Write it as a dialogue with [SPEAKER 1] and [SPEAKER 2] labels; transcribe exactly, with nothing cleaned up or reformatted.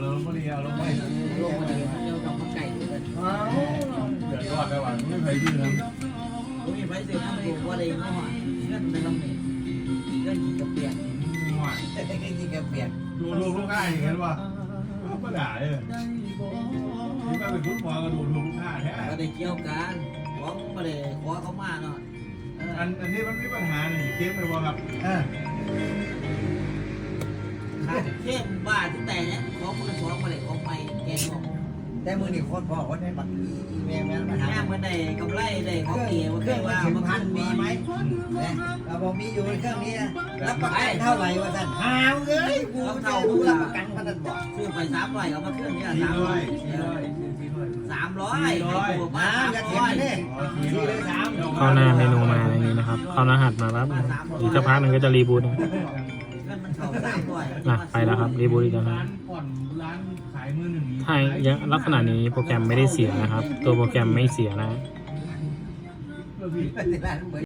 [SPEAKER 1] เราพอดีเอาลงไป
[SPEAKER 2] ลงมาเลยเดี๋ยวต้องมาไก่กัน
[SPEAKER 1] เดือดร้อนได้ว่าไม่เคยยืนนะ
[SPEAKER 2] โอ้ยไปเสียน้ำตัวว่าอะไรเนาะเงื่อนในลำนี้เงื่อนกินกระเปียก
[SPEAKER 1] ง่าย
[SPEAKER 2] แต่ก็กินกระเปียก
[SPEAKER 1] ดูดูลูกค้าอย่างเงี้ยว่าก็ด่าเลยนี่มาเป็นฟุตบอลก็ดูดูลูกค้าแท้
[SPEAKER 2] ก็ได้เกี่ยวกันหวังมาเลยขอเขามาเนาะ
[SPEAKER 1] อันอันนี้มันมีปัญหาหนึ่งเกมเลยว่าครับ
[SPEAKER 2] ขาดเข้มบ้าที่แต่เนี่ยของมือสองมาเลยของไม่แกงออก
[SPEAKER 3] แต่มือนี่คนบอกว่าในบัตรอีเมลแม่มาถาม
[SPEAKER 2] แม่มันได้กำไรได้ของเกี่ยว
[SPEAKER 3] เค
[SPEAKER 2] เค
[SPEAKER 3] รื่
[SPEAKER 2] ย
[SPEAKER 3] อง
[SPEAKER 2] ว่า
[SPEAKER 3] ถึง
[SPEAKER 2] มัน
[SPEAKER 3] พันมีไหมเนี่ยเราบอกมีอยู่ในเครื่องนี้รับประกันเท่าไหร่วะท่านหาวเลยกูจะรู้รับประกันพันบอก
[SPEAKER 2] ซื้อไปสามร้อยเอามาเครื่องนี้
[SPEAKER 1] สี่
[SPEAKER 2] สาม
[SPEAKER 1] ร้
[SPEAKER 2] ร้
[SPEAKER 1] อ
[SPEAKER 2] อย ย
[SPEAKER 1] สี่ร้อยสี่ร้อย
[SPEAKER 2] สามร้อยตัวมา
[SPEAKER 3] มา
[SPEAKER 2] สาม
[SPEAKER 3] จะ
[SPEAKER 2] ร้
[SPEAKER 3] เถีย
[SPEAKER 2] อง ย
[SPEAKER 3] กันเนี่ยสี่เลยสาม
[SPEAKER 4] เข้าหน้าเมนูมาอย่างนี้นะครับ เข้ารหัสมาปั๊บอีกสักพักหนึ่งก็จะรีบูตนะ
[SPEAKER 2] เงินมันเข้าสามร้อย
[SPEAKER 4] อ่ะไปแล้วครับรีบูตอีกแล้วครั
[SPEAKER 1] ร้า
[SPEAKER 4] บ
[SPEAKER 1] นผ่อนร้านขายมือหนึ่ง
[SPEAKER 4] ถ้ายังลักษณะนี้โปรแกรมไม่ได้เสียนะครับ ตัวโปรแกรมไม่เสียนะ
[SPEAKER 1] เพื่อพี่
[SPEAKER 3] เป็นร้านเหมือน